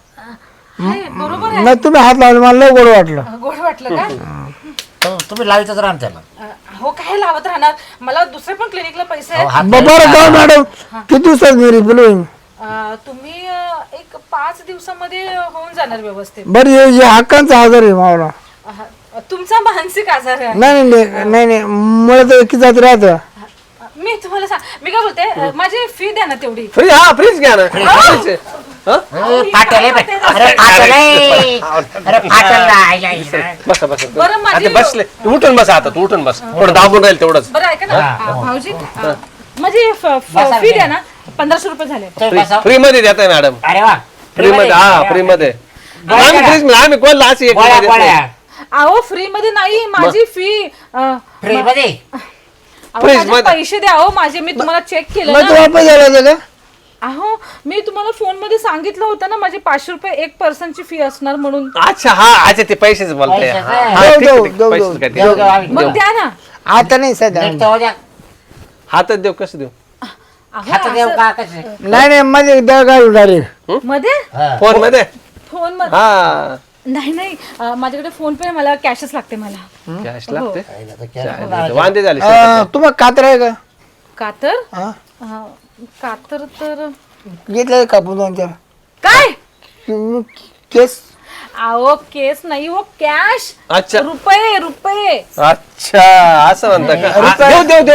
Speaker 4: बरोबर आहे
Speaker 2: नाही तुम्ही हात लावले मला लय गोड वाटलं
Speaker 4: अ, गोड वाटलं का
Speaker 1: तो- तुम्ही लावायचंच राहा ना त्याला
Speaker 4: अ, हो काय लावत राहणार मला दुसरे पण क्लिनिकला पैसे
Speaker 1: अहो,
Speaker 4: आहेत
Speaker 1: हात
Speaker 2: ब- बरं का मॅडम किती दिवसात मी रिफिल होईल
Speaker 4: अ, तुम्ही अ, एक पाच दिवसामध्ये होऊन जाणार व्यवस्थित
Speaker 2: बरं हे हे हक्कांचा आजार आहे मावला
Speaker 4: अ, तुमचा मानसिक आजार आहे
Speaker 2: नाही नाही नाही नाही नाही मला तर एकी जात राहतं
Speaker 4: मी तुम्हाला सांग मी काय बोलते अ, माझी फी द्या ना तेवढी
Speaker 3: फ्रीज हा फ्रीज घ्या ना फ्रीज आहे. हा?
Speaker 1: ए, फाटेल आहे बाई. अरे फाटेल आहे. अरे फाटेल ना. आईला, आईला.
Speaker 3: बसा बसा
Speaker 4: बरं माझी
Speaker 3: आता बसले तू उठून बसा आता तू उठून बस थोडं दाबून राहील तेवढंच
Speaker 4: बरं ऐका ना अ, भाऊजी अ, माझी फी द्या ना पंधराशे रुपये झाले
Speaker 1: तुम्ही बसा.
Speaker 3: फ्री मध्ये देताय मॅडम
Speaker 1: अरे वा
Speaker 3: फ्री मध्ये हा फ्री मध्ये आम्ही फ्रीज मध्ये आम्ही कोणला अशी एक
Speaker 1: गोळ्या
Speaker 3: देत नाही.
Speaker 1: गोळ्या
Speaker 4: अहो फ्री मध्ये नाही माझी फी
Speaker 1: फ्री मध्ये
Speaker 3: Freeze मध्ये.
Speaker 4: पैसे द्या अहो माझे मी तुम्हाला चेक केलं
Speaker 2: मग तू
Speaker 4: ना
Speaker 2: वापस झाला होता का
Speaker 4: अहो मी तुम्हाला फोन मध्ये सांगितलं होतं ना माझे पाचशे रुपये एक पर्सनची फी असणार म्हणून
Speaker 3: अच्छा हा अच्छा ते पैसेच बोलताय
Speaker 1: पैसेच
Speaker 3: हा,
Speaker 1: आहे.
Speaker 3: हा, ठीक आहे,
Speaker 2: देऊ,
Speaker 3: ठीक आहे,
Speaker 2: देऊ,
Speaker 3: पैसेच
Speaker 2: देऊ.
Speaker 3: काय ते.
Speaker 1: देऊ, देऊ, आम्ही
Speaker 4: मग
Speaker 1: देऊ.
Speaker 4: द्या ना
Speaker 2: आता नाही सध्या
Speaker 1: नीट तर हो द्या.
Speaker 3: हातात देऊ कसं देऊ
Speaker 4: अहो,
Speaker 1: हात देऊ
Speaker 4: असं-
Speaker 1: का कसे
Speaker 2: नाही नाही मध्ये दळ घालून डायरेक्ट
Speaker 4: मध्ये
Speaker 1: हा.
Speaker 3: फोन मध्ये
Speaker 4: फोन मध्ये
Speaker 3: हा
Speaker 4: नाही नाही अं, माझ्याकडे फोन पे मला कॅशच लागते मला
Speaker 3: कॅश लागते
Speaker 1: आईला तर कॅश
Speaker 3: वांदे झाले
Speaker 2: तुम्हाला कात्र आहे का
Speaker 4: कातर
Speaker 2: हा
Speaker 4: अं, कातर तर
Speaker 2: घेतलं कापून दोन चार
Speaker 4: काय
Speaker 2: तुम्ही केस
Speaker 4: अहो केस नाही हो कॅश
Speaker 3: अच्छा
Speaker 4: रुपये रुपये
Speaker 3: अच्छा असं म्हणता का हा, देऊ देऊ देऊ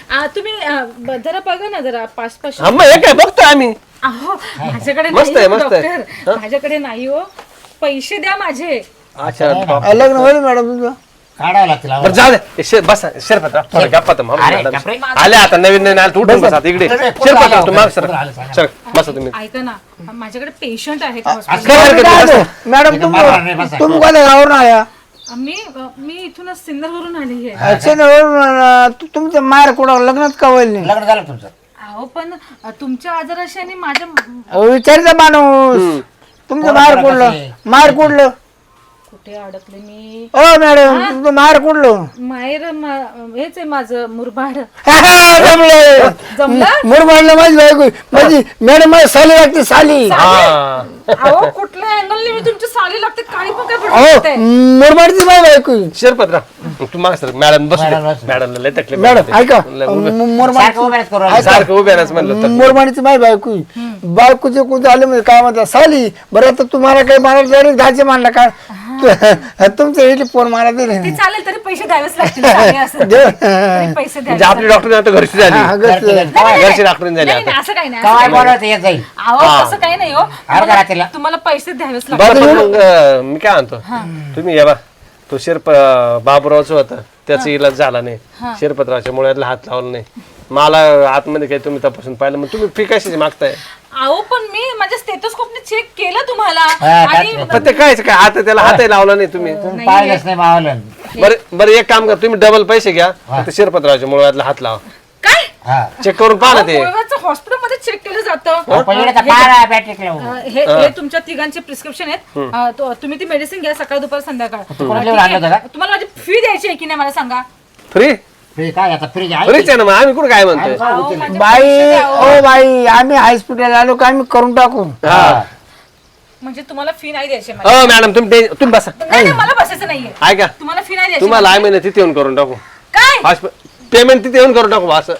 Speaker 4: आ, तुम्ही आ, ब- जरा बघा ना जरा पाच पाचशे
Speaker 3: हा मग हे काय बघतो आम्ही.
Speaker 4: अहो माझ्याकडे
Speaker 3: मस्त
Speaker 4: नाही
Speaker 3: आहे,
Speaker 4: हो,
Speaker 3: मस्त आहे.
Speaker 4: डॉक्टर माझ्याकडे नाही हो पैसे द्या माझे.
Speaker 3: अच्छा
Speaker 2: अ, लग्न होईल मॅडम तुमचं?
Speaker 5: काढावं लागतील
Speaker 3: बरं जाऊ दे हे शे- बसा शिरपतराव थोडं गप्पा तर मारू
Speaker 5: अरे,
Speaker 3: मॅडम.
Speaker 5: गप्पे.
Speaker 3: आले आता नवीन नवीन आले तर उठून बसा आता इकडे. शिरपतराव तू माग सर
Speaker 5: आले, सांगा.
Speaker 3: सर बसा तुम्ही.
Speaker 4: ऐका ना माझ्याकडे पेशंट आहेत
Speaker 3: काय
Speaker 4: हॉस्पिटल.
Speaker 3: हरकत नाही, बसा.
Speaker 2: मॅडम
Speaker 5: इथं मारणार नाही,
Speaker 2: तुम
Speaker 5: बसा.
Speaker 2: तुम्ही कोणत्या गावावरून आया?
Speaker 4: मी मी इथूनच सिन्नरवरून आली आहे.
Speaker 2: अक्षयनवरून तुमचं मार कुठं लग्नात का होईल नाही?
Speaker 5: लग्न झालं तुमचं?
Speaker 4: अहो पण अ, तुमच्या आजाराशी आणि माझ्या
Speaker 2: अहो, विचारचा माणूस तुमचं मार कुठलं मार कुठलं
Speaker 4: कुठे अडकले मी.
Speaker 2: ओ मॅडम तुमचं मार कुठलं
Speaker 4: माहेर मा- हेच आहे माझं मुरबाड.
Speaker 2: जमलं
Speaker 4: जमलं
Speaker 2: मुरबाडला माझी बायको माझी मॅडम माझी साली लागते साली
Speaker 3: हा
Speaker 4: अहो कुठल्या अँगलने मी तुमची साली लागते काही पण काय
Speaker 2: अहो
Speaker 4: पडते.
Speaker 2: मुरबाडची माझी बायको
Speaker 3: शिरपतराव तू माग सर मॅडम बस
Speaker 5: मॅडम बसू.
Speaker 3: मॅडमला लय तकलीफ
Speaker 2: मॅडम
Speaker 3: होते.
Speaker 2: ऐका
Speaker 3: लय उभे-
Speaker 2: मुरबाड
Speaker 5: सारखं उभ्याच करू राहिले.
Speaker 3: सारखं उभे राहायचं म्हणलं तर.
Speaker 2: मुरबाडची माझी बायको बायकोचे कोणते आले म्हणजे काय म्हणतात साली बरं आता तुम्हाला काही मारायला तरी घाचे मानला का तुमचं इथे फोन मारा
Speaker 4: ते
Speaker 2: तरी
Speaker 4: चालेल तरी पैसे द्यावेच लागतील साली असेल. तरी पैसे द्यावे
Speaker 3: म्हणजे आपली डॉक्टर आता घरची झाली
Speaker 2: हा, घरची झाली.
Speaker 5: घरची झाली.
Speaker 3: घरची डॉक्टर झाली
Speaker 4: नाही
Speaker 3: आता.
Speaker 4: नाही, असं काही नाही
Speaker 5: कवाय
Speaker 4: असं काही
Speaker 5: बोलवत येत जाईल.
Speaker 4: नाही. अहो तसं काही नाही हो
Speaker 5: अर्धा
Speaker 4: तुम्हाला-
Speaker 5: रात्रीला.
Speaker 4: तुम्हाला पैसे द्यावेच लागतील.
Speaker 3: बरं पण मग अं, मी काय म्हणतो तुम्ही या बा तो शिरप बाबुरावचं होतं त्याचा इलाज झाला नाही शिरपतरावच्या मुळ्यातला हात लावला नाही मला आतमध्ये काही तुम्ही तपासून पाहिलं मग तुम्ही फी कशाची मागताय
Speaker 4: अहो पण मी माझ्या स्टेथोस्कोपने चेक केलं तुम्हाला
Speaker 5: हा,
Speaker 4: आणि
Speaker 3: पण ते काय काय आता त्याला हातही लावला नाही तुम्ही
Speaker 5: तुम्ही पाहिलंच नाही मावलं.
Speaker 3: बरं बरं एक काम करा तुम्ही डबल पैसे घ्या फक्त शिरपतरावच्या मुळ्यातला हात लावा
Speaker 4: काय
Speaker 5: हा.
Speaker 3: चेक करून पाहा ना ते
Speaker 4: हॉस्पिटल मध्ये चेक केलं जातं.
Speaker 5: आपण इकडे तर पारा बॅटरी लावू.
Speaker 4: अ, हे हे तुमच्या तिघांचे प्रिस्क्रिप्शन आहेत. अ, तो- तुम्ही ती मेडिसिन घ्या सकाळ दुपार संध्याकाळ.
Speaker 5: कोणाला
Speaker 4: ठीक
Speaker 5: आणलं होतं
Speaker 4: आहे?
Speaker 5: का?
Speaker 4: तुम्हाला माझी फी द्यायची आहे की नाही मला सांगा.
Speaker 3: फ्री
Speaker 5: फ्री काय आता फ्री आहे
Speaker 3: फ्रीच आहे ना मग आम्ही कुठं काय म्हणतोय
Speaker 4: अहो, माझे
Speaker 2: बाई
Speaker 4: पैसे द्या, अहो.
Speaker 2: ओ बाई आम्ही हॉस्पिटल आलो का आम्ही करून टाकू
Speaker 3: हा
Speaker 4: म्हणजे तुम्हाला फी नाही द्यायची आहे मला.
Speaker 3: हो मॅडम तुम्ही ते- तुम्ही बसा
Speaker 4: नाही नाही, मला बसायचं नाहीये.
Speaker 3: ऐका
Speaker 4: तुम्हाला फी नाही द्यायची.
Speaker 3: तुम्हाला आय महिने तिथे येऊन करून टाकू
Speaker 4: काय
Speaker 3: पेमेंट तिथे येऊन करून टाकू असं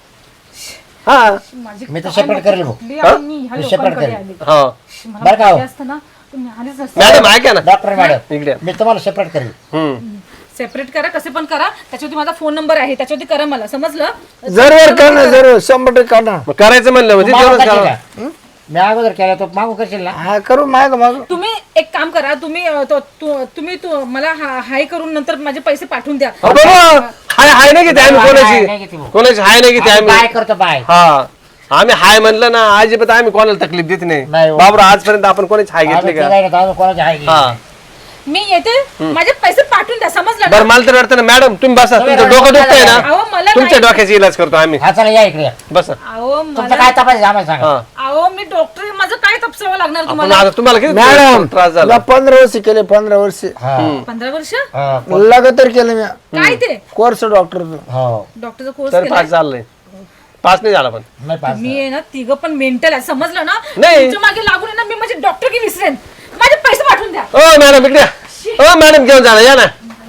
Speaker 3: हा
Speaker 4: माझी
Speaker 5: मी तर separate करेल भाऊ.
Speaker 4: कुठली आणि मी ह्या
Speaker 5: मी
Speaker 4: लोकांकडे
Speaker 5: separate करेल.
Speaker 4: आले.
Speaker 3: हा
Speaker 4: मला
Speaker 5: बरं का हो?
Speaker 4: माहिती असतं ना तुम्ही आलेच नसते.
Speaker 3: मॅडम ऐका ना
Speaker 5: डॉक्टर मॅडम
Speaker 3: इकडे
Speaker 5: मी तुम्हाला सेपरेट करेल.
Speaker 3: हम्म
Speaker 4: सेपरेट करा कसे पण करा त्याच्यावरती माझा फोन नंबर आहे त्याच्यावरती करा मला समजलं.
Speaker 2: जरूर करणार जरूर शंभर टक्के करणार
Speaker 3: मग करायचं म्हणलं म्हणजे
Speaker 5: मागून
Speaker 3: जेवणच
Speaker 5: करशील
Speaker 3: करावं.
Speaker 5: का? मी अगोदर केला तो मागू करशील ना?
Speaker 2: हा करू माग माग
Speaker 4: तुम्ही एक काम करा तुम्ही अ, तो- तु- तुम्ही तु- मला हा- हाय करून नंतर माझे पैसे पाठवून द्या.
Speaker 3: अरे बाबा हाय हाय नाही घेते आम्ही
Speaker 5: हाय नाही
Speaker 3: कोणाची
Speaker 5: घेते भाऊ.
Speaker 3: कोणाची हाय नाही घेते
Speaker 5: आम्ही बाय
Speaker 3: आम्ही
Speaker 5: करतो बाय.
Speaker 3: हा आम्ही हाय म्हणलं ना अजिबात आम्ही कोणाला तकलीफ देत नाही
Speaker 5: नाही हो.
Speaker 3: बाबरा आजपर्यंत आपण कोणाची हाय घेतली
Speaker 5: आम्ही
Speaker 3: का
Speaker 5: तिघांनी तर अजून कोणाची आहे
Speaker 3: हा
Speaker 5: की?
Speaker 4: मी येते माझे पैसे पाठवून द्या समजलं ना?
Speaker 3: बरं मला तर वाटतं ना मॅडम तुम्ही बसा तुमचं डोकं दुखतंय ना
Speaker 4: अहो मला
Speaker 3: तुमच्या
Speaker 4: नाही-
Speaker 3: डोक्याचा इलाज करतो आम्ही
Speaker 5: हा चला या इकडे या.
Speaker 3: बसा
Speaker 4: अहो
Speaker 5: तुमचं
Speaker 4: मला
Speaker 5: काय तपास आम्हाला सांगा.
Speaker 3: हा
Speaker 4: अहो मी डॉक्टर आहे, माझं काय तपसावं लागणार
Speaker 3: आपण
Speaker 4: तुम्हाला.
Speaker 3: आता तुम्हाला किती
Speaker 2: मॅडम
Speaker 3: त्रास झाला
Speaker 2: तुला पंधरा वर्ष केले पंधरा वर्ष
Speaker 5: हा.
Speaker 4: पंधरा वर्ष
Speaker 5: हा.
Speaker 2: लगातार केलं मी
Speaker 4: काय ते
Speaker 2: कोर्स डॉक्टरचं
Speaker 5: हो.
Speaker 4: डॉक्टरचा कोर्स
Speaker 3: तर
Speaker 4: केला
Speaker 3: पास झालंय पास नाही झाला पण
Speaker 5: नाही पास.
Speaker 4: मी आहे ना तिघं पण मेंटल आहे समजलं ना.
Speaker 3: नाही.
Speaker 4: तुमच्या मागे लागून आहे ना मी माझे डॉक्टर की विसरेन. माझे पैसे पाठवून द्या.
Speaker 3: ओ मॅडम इकडे या. ओ मॅडम घेऊन जा ना, या ना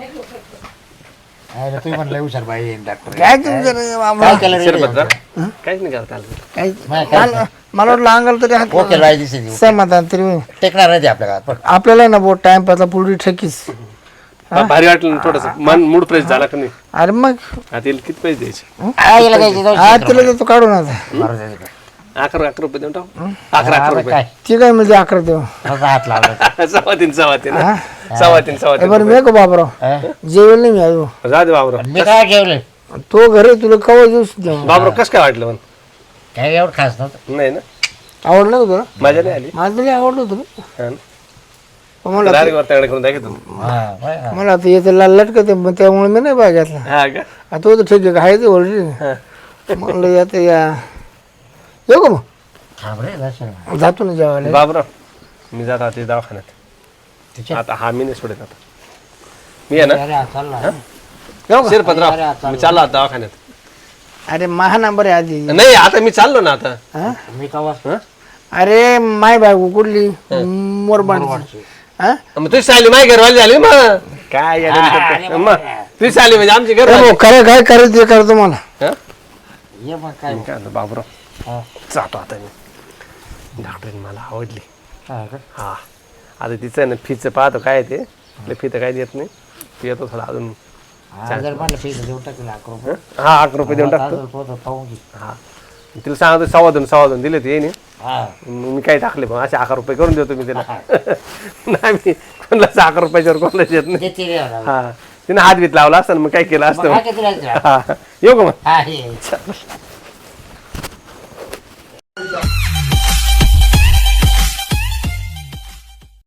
Speaker 5: अरे, तुम्ही म्हणलं हुशार बाई आहे, डॉक्टर
Speaker 2: काय तुमचं रे मामा?
Speaker 5: काय केलं रे?
Speaker 3: शिरपत्र काहीच नाही करता आलं
Speaker 2: काय-
Speaker 5: नाही, काय
Speaker 2: मला मला वाटलं अंगाल तरी हात
Speaker 5: ओके बाई दिसेल
Speaker 2: समाधान तरी होईल.
Speaker 5: टेकणार नाही ते आपल्याला पण
Speaker 2: आपल्याला ना बोट टाइम पासला पुढे ठकीस
Speaker 3: बा- भारी वाटलं थोडस मन मूड फ्रेश झाला का नाही
Speaker 2: अरे मग
Speaker 3: आता येईल किती पैसे द्यायचे
Speaker 5: काय याला द्यायची दोनशे
Speaker 2: आज
Speaker 5: रुपये.
Speaker 2: तिला देतो काढून आता
Speaker 5: बरं द्यायचं का?
Speaker 3: अकरा अकरा रुपये देऊन टाकू अकरा
Speaker 5: हा,
Speaker 3: अकरा
Speaker 5: बरं काय
Speaker 3: रुपये
Speaker 2: ती काय म्हणजे अकरा देऊ
Speaker 5: माझा हात लावला
Speaker 3: सव्वा तीन सव्वा तीन सव्वा तीन सव्वा
Speaker 2: ए
Speaker 3: तीन
Speaker 2: बरं मी का बाबराव
Speaker 5: हा?
Speaker 2: जेवेल नाही मी अजून
Speaker 3: जा दे बाबरो
Speaker 5: मी काय जेवले
Speaker 2: तो घरी तुला कवा दिवस देऊ
Speaker 3: बाबरो कसं काय वाटलं पण
Speaker 5: काय एवढं खास नव्हतं.
Speaker 3: नाही ना
Speaker 2: आवडलं का तुला
Speaker 3: मजा नाही आली
Speaker 2: मला तरी आवडलं होतं
Speaker 3: हा ना?
Speaker 2: पण मला
Speaker 3: डायरेक्ट वरताकडे करून दाखवतो
Speaker 5: हा, बाय, हा.
Speaker 2: मला आता येतं लाल लटकत मग त्यामुळे मी नाही बाय घेतला
Speaker 3: हा का
Speaker 2: आता होतं ठीक आहे आहे ते ऑलरेडी
Speaker 3: हा.
Speaker 2: म्हणलं आता या येऊ का मग
Speaker 5: थांब रे, दर्शन.
Speaker 2: जातो ना जेवायला
Speaker 3: बाबरो मी जात आता दवाखान्यात
Speaker 5: तिच्या-
Speaker 3: आता हा मी नाही सोडत आता मी आहे ना
Speaker 5: अरे, हा, चालला.
Speaker 2: येऊ का
Speaker 3: शिरपतराव मी चाललो आता दवाखान्यात
Speaker 2: अरे महा नंबर आहे आधी
Speaker 3: नाही आता मी चाललो ना आता
Speaker 2: हा?
Speaker 5: मी कवा
Speaker 3: हा?
Speaker 2: अरे माय बायको कुठली मोरबांडची हा
Speaker 3: मग तुझी साली माझी घरवाली झाली मग काय येडं करतो? मग तुझी साली म्हणजे आमची घर
Speaker 2: ए भाऊ, खरं काय करायचं ते करतो मला
Speaker 5: ये मग काय
Speaker 3: काय म्हणतो बाबराव
Speaker 5: हा.
Speaker 3: जातो आता मी डॉक्टरीन मला आवडली
Speaker 5: हा का?
Speaker 3: हा आता तिचं ना फीचं पाहतो काय ते आपल्या फी तर काही देत नाही ती येतो थोडा अजून
Speaker 5: हा, जर म्हणलं पैसे देऊन टाकले लाख रुपये
Speaker 3: हा अकरा रुपये देऊन टाकतो
Speaker 5: आता पोतं पाहून घे.
Speaker 3: हा तिला सांगतो सव्वा दोन सव्वा दोन दिले ते येईन
Speaker 5: हा
Speaker 3: मी काय टाकले मग असे अकरा रुपये करून देतो मी तिला नाही मी कोणालाच अकरा रुपयाच्यावर कोणाला देत नाही
Speaker 5: देते रे मला.
Speaker 3: हा तिने हात बीत लावला असता ना मग काय केलं
Speaker 5: मग
Speaker 3: असतं
Speaker 5: काय किती राहायचं?
Speaker 3: हा येऊ का मग
Speaker 5: हा ये